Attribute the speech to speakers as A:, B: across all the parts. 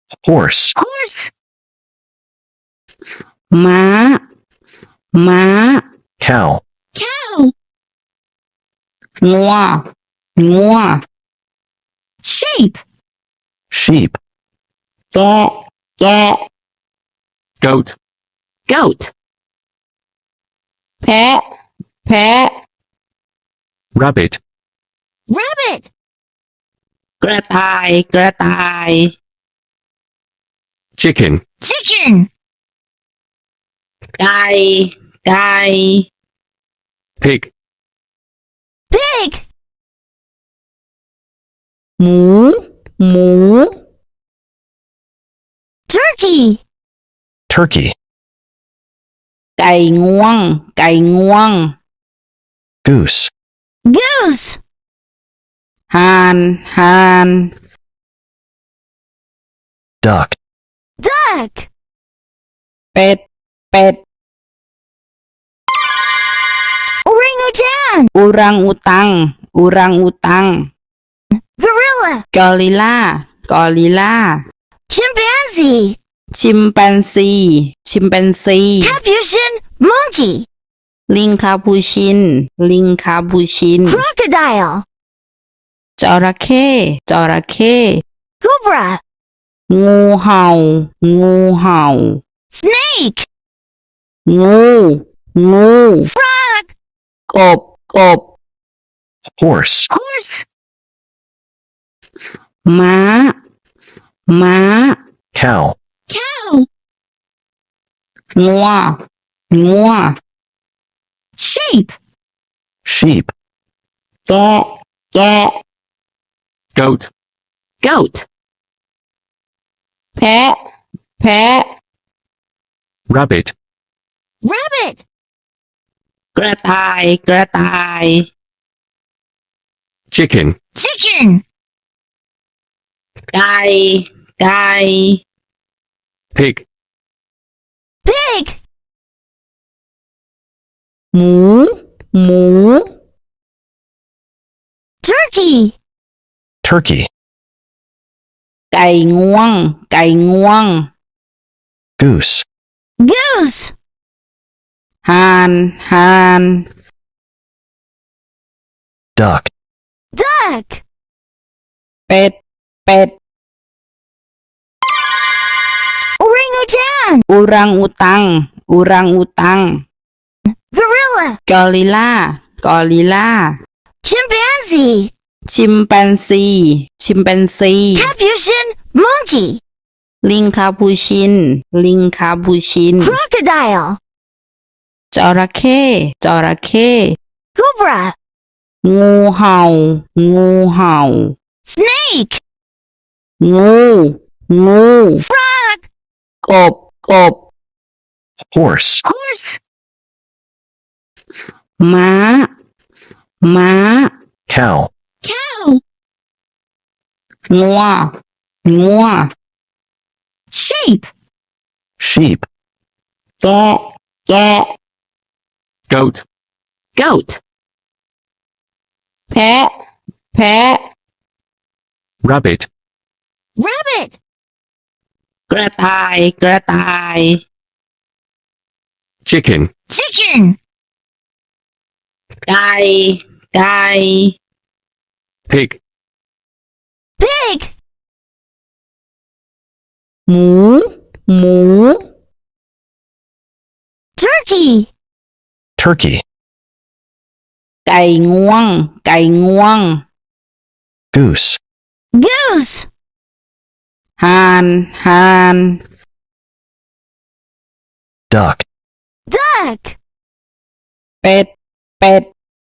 A: horse,
B: horse,
C: ม้า ม้า
A: cow,
B: cow,
C: งัว งัว
B: sheep,
A: sheep,
C: แกะ แกะ
A: goat,
B: goat,
C: แพะ แพะ
A: rabbit,
B: rabbit,
C: กระต่าย กระต่าย
A: chicken,
B: chicken,
C: ไก่ ไก่
A: pig,
B: pig,
C: หมู หมู
B: turkey,
A: turkey,
C: ไก่งวง ไก่งวง
A: goose,
B: goose,
C: ห่าน ห่าน
A: duck,
B: duck,
C: เป็ด เป็ด
B: orangutan,
C: อุรังอุตัง อุรังอุตัง
B: gorilla,
C: กอริลลา กอริลลา
B: chimpanzee,
C: ชิมแปนซี ชิมแปนซี
B: capuchin monkey,
C: ลิงคาปูชิน ลิงคาปูชิน
B: crocodile,
C: จระเข้ จระเข้
B: cobra,
C: งูเห่า งูเห่า
B: snake,
C: งู งู
B: frog,
C: กบ กบ
A: horse,
B: horse,
C: ม้า ม้า
A: cow,
B: cow,
C: งัว งัว
B: sheep,
A: sheep,
C: แกะ แกะ
A: goat,
B: goat,
C: แพะ แพะ
A: rabbit,
B: rabbit,
C: กระต่าย กระต่าย
A: chicken,
B: chicken,
C: ไก่ ไก่
A: pig,
B: pig,
C: หมู หมู
B: turkey,
A: turkey,
C: ไก่งวง ไก่งวง
A: goose,
B: goose,
C: ห่าน ห่าน
A: duck,
B: duck,
C: เป็ด เป็ด
B: orangutan,
C: อุรังอุตัง อุรังอุตัง
B: gorilla,
C: กอริลลา กอริลลา
B: chimpanzee,
C: ชิมแปนซี ชิมแปนซี
B: capuchin monkey,
C: ลิงคาปูชิน ลิงคาปูชิน
B: crocodile,
C: จระเข้ จระเข้
B: cobra,
C: งูเห่า งูเห่า
B: snake,
C: งู งู
B: frog,
C: กบ กบ
A: horse,
B: horse,
C: ม้า ม้า
A: cow,
B: cow,
C: งัว งัว
B: sheep,
A: sheep,
C: แกะ แกะ
A: goat,
B: goat,
C: แพะ แพะ
A: rabbit,
B: rabbit,
C: กระต่าย กระต่าย
A: chicken,
B: chicken,
C: ไก่ ไก่
A: pig,
B: pig,
C: หมู หมู
B: turkey,
A: turkey,
C: ไก่งวง ไก่งวง
A: goose,
B: goose,
C: ห่าน ห่าน
A: duck,
B: duck,
C: เป็ด เป็ด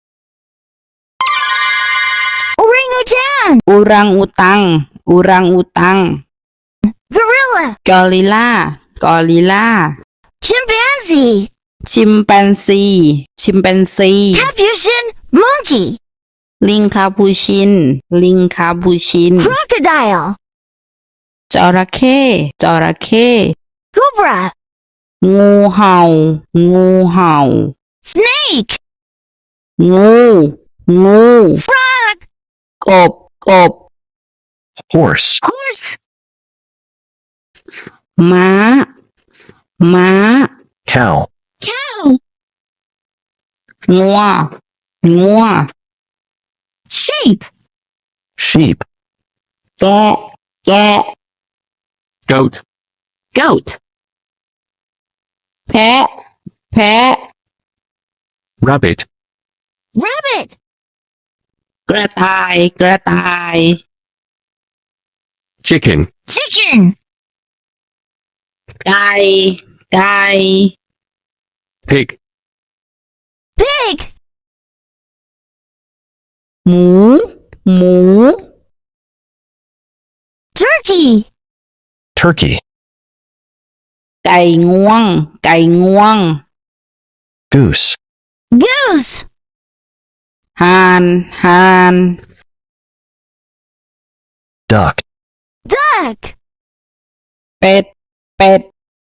B: orangutan,
C: อุรังอุตัง อุรังอุตัง
B: gorilla,
C: กอริลลา กอริลลา
B: chimpanzee,
C: ชิมแปนซี ชิมแปนซี
B: capuchin monkey,
C: ลิงคาปูชิน ลิงคาปูชิน
B: crocodile,
C: จระเข้ จระเข้
B: cobra,
C: งูเห่า งูเห่า
B: snake,
C: งู งู
B: frog,
C: กบ กบ
A: horse,
B: horse,
C: ม้า ม้า
A: cow,
B: Cow.
C: งัว งัว
B: Sheep.
A: sheep,
C: แกะ แกะ
A: goat,
B: Goat.
C: แพะ แพะ
A: rabbit,
B: Rabbit.
C: กระต่าย กระต่าย
A: chicken,
B: Chicken.
C: ไก่ ไก่
A: pig,
B: Pig.
C: หมู หมู
B: Turkey.
A: turkey,
C: ไก่งวง ไก่งวง
A: goose,
B: Goose.
C: ห่าน ห่าน
A: duck,
B: Duck.
C: เป็ด เป็ด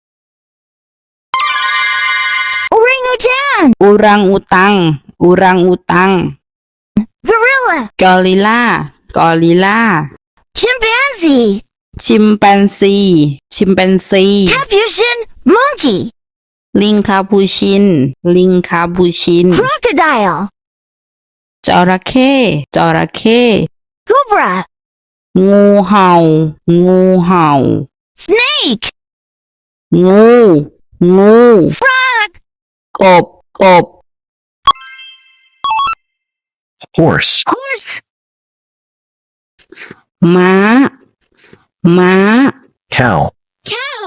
B: Orangutan.
C: อุรังอุตัง อุรังอุตัง
B: Gorilla.
C: กอริลลา กอริลลา
B: Chimpanzee.
C: ชิมแปนซี ชิมแปนซี
B: Capuchin monkey.
C: ลิงคาปูชิน ลิงคาปูชิน
B: Crocodile.
C: จระเข้ จระเข้
B: Cobra.
C: งูเห่า งูเห่า
B: Snake.
C: งู งู
B: Frog.
C: กบ กบ
A: horse,
B: Horse.
C: ม้า ม้า
A: cow,
B: Cow.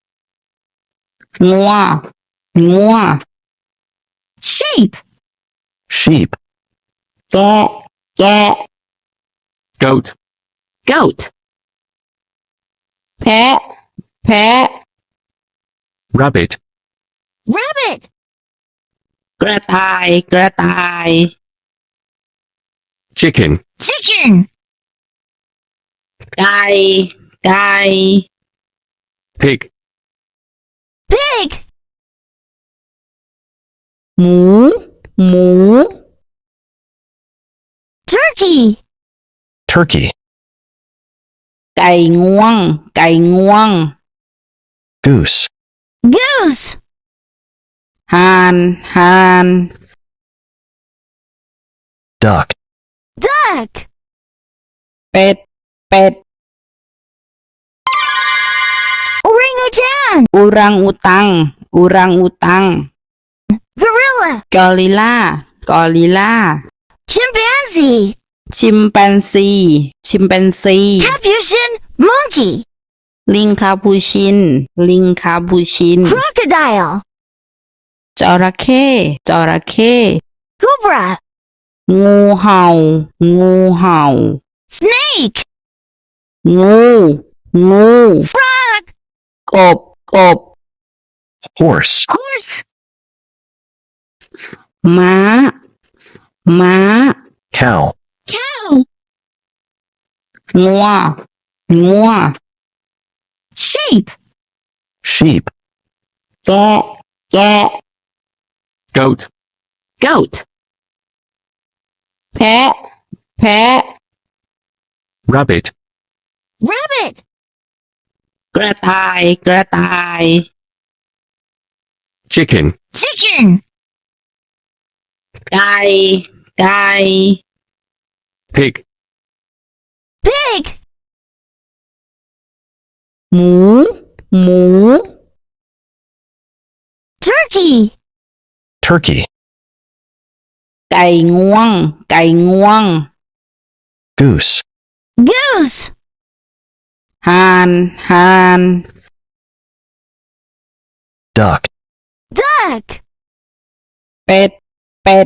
C: งัว งัว
B: Sheep.
A: sheep,
C: แกะ แกะ
A: goat,
B: Goat.
C: แพะ แพะ
A: rabbit,
B: Rabbit.
C: กระต่าย กระต่าย
A: chicken,
B: Chicken.
C: ไก่ ไก่
A: pig,
B: Pig.
C: หมู หมู
B: Turkey.
A: turkey,
C: ไก่งวง ไก่งวง
A: goose,
B: Goose.
C: ห่าน ห่าน
A: duck,
B: Duck.
C: เป็ด เป็ด
B: Orangutan.
C: อุรังอุตัง อุรังอุตัง
B: Gorilla.
C: กอริลลา กอริลลา
B: Chimpanzee.
C: ชิมแปนซี ชิมแปนซี
B: Capuchin monkey.
C: ลิงคาปูชิน ลิงคาปูชิน
B: Crocodile.
C: จระเข้ จระเข้
B: Cobra.
C: งูเห่า งูเห่า
B: Snake.
C: งู งู
B: Frog.
C: กบ กบ
A: horse,
B: Horse.
C: ม้า ม้า
A: cow,
B: Cow.
C: งัว งัว
B: Sheep.
A: sheep,
C: แกะ แกะ
A: goat,
B: Goat.
C: แพะ แพะ
A: rabbit,
B: Rabbit.
C: กระต่าย กระต่าย
A: chicken,
B: Chicken.
C: ไก่ ไก่
A: pig,
B: Pig.
C: หมู หมู
B: Turkey.
A: turkey,
C: ไก่งวง ไก่งวง
A: goose,
B: Goose.
C: ห่าน ห่าน
A: duck,
B: Duck.
C: เป็ด เป็ด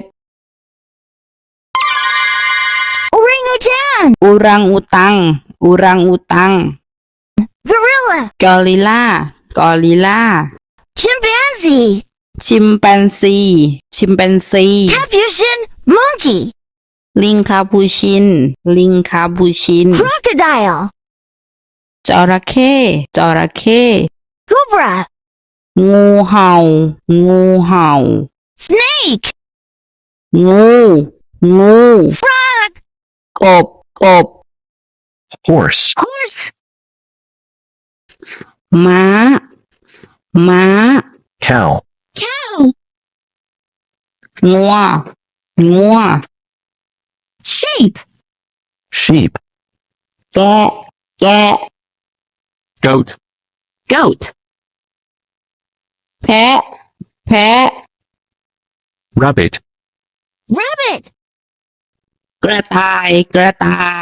B: Orangutan.
C: อุรังอุตัง อุรังอุตัง
B: Gorilla.
C: กอริลลา กอริลลา
B: Chimpanzee.
C: ชิมแปนซี ชิมแปนซี
B: Capuchin monkey.
C: ลิงคาปูชิน ลิงคาปูชิน
B: Crocodile.
C: จระเข้ จระเข้
B: Cobra.
C: งูเห่า งูเห่า
B: Snake.
C: งู งู
B: Frog.
C: กบ กบ
A: horse,
B: Horse.
C: ม้า ม้า
A: cow,
B: Cow.
C: งัว งัว
B: Sheep.
A: sheep,
C: แกะ แกะ
A: goat,
B: Goat.
C: แพะ แพะ
A: rabbit,
B: Rabbit.
C: กระต่าย กระต่าย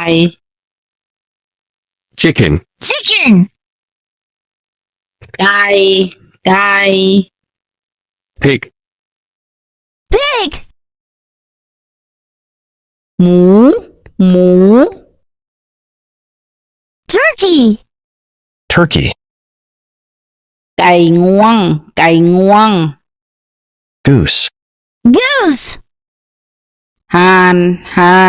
A: chicken,
B: Chicken.
C: ไก่ ไก่
A: pig,
B: Pig.
C: หมู หมู
B: Turkey.
A: turkey,
C: ไก่งวง ไก่งวง
A: goose,
B: Goose.
C: ห่าน ห่าน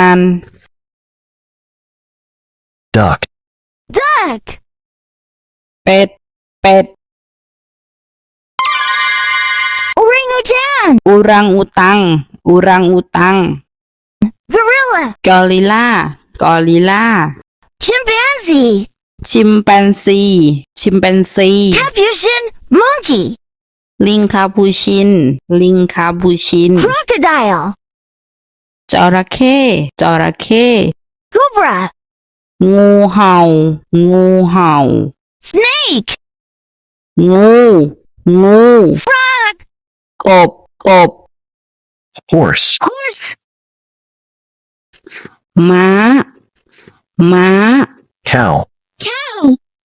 A: duck,
B: Duck.
C: เป็ด เป็ด
B: Orangutan.
C: อุรังอุตัง อุรังอุตัง
B: Gorilla.
C: กอริลลา กอริลลา
B: Chimpanzee.
C: ชิมแปนซี ชิมแปนซี
B: Capuchin. Monkey.
C: ลิงคาปูชิน ลิงคาปูชิน
B: Crocodile.
C: จระเข้ จระเข้
B: Cobra.
C: งูเห่า งูเห่า
B: Snake.
C: งู งู
B: Frog.
C: กบ กบ
A: horse,
B: Horse.
C: ม้า ม้า
A: cow,
B: Cow.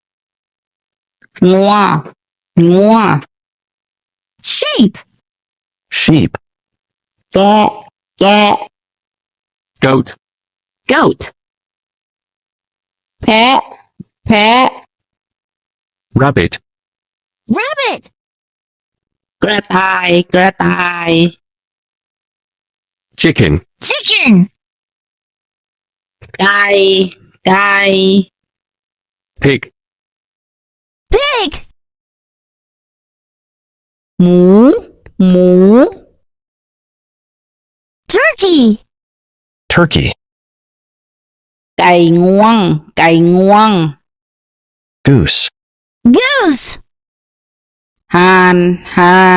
C: งัว งัว
B: Sheep.
A: sheep,
C: แกะ แกะ
A: goat,
B: Goat.
C: แพะ แพะ
A: rabbit,
B: Rabbit.
C: กระต่าย กระต่าย
A: chicken,
B: Chicken.
C: ไก่ ไก่
A: pig,
B: Pig.
C: หมู หมู
B: Turkey.
A: turkey,
C: ไก่งวง ไก่งวง
A: goose,
B: Goose.
C: ห่าน ห่าน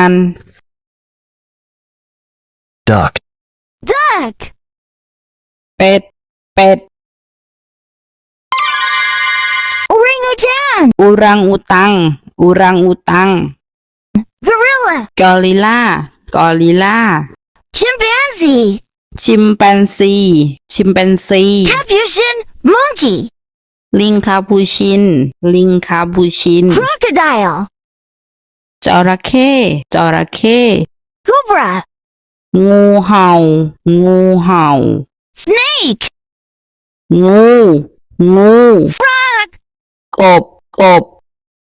A: duck,
B: Duck.
C: เป็ด เป็ด
B: Orangutan.
C: อุรังอุตัง อุรังอุตัง
B: Gorilla.
C: กอริลลา กอริลลา
B: Chimpanzee.
C: ชิมแปนซี ชิมแปนซี
B: Capuchin. Monkey.
C: ลิงคาปูชิน ลิงคาปูชิน
B: Crocodile.
C: จระเข้ จระเข้
B: Cobra.
C: งูเห่า งูเห่า
B: Snake.
C: งู งู
B: Frog.
C: กบ กบ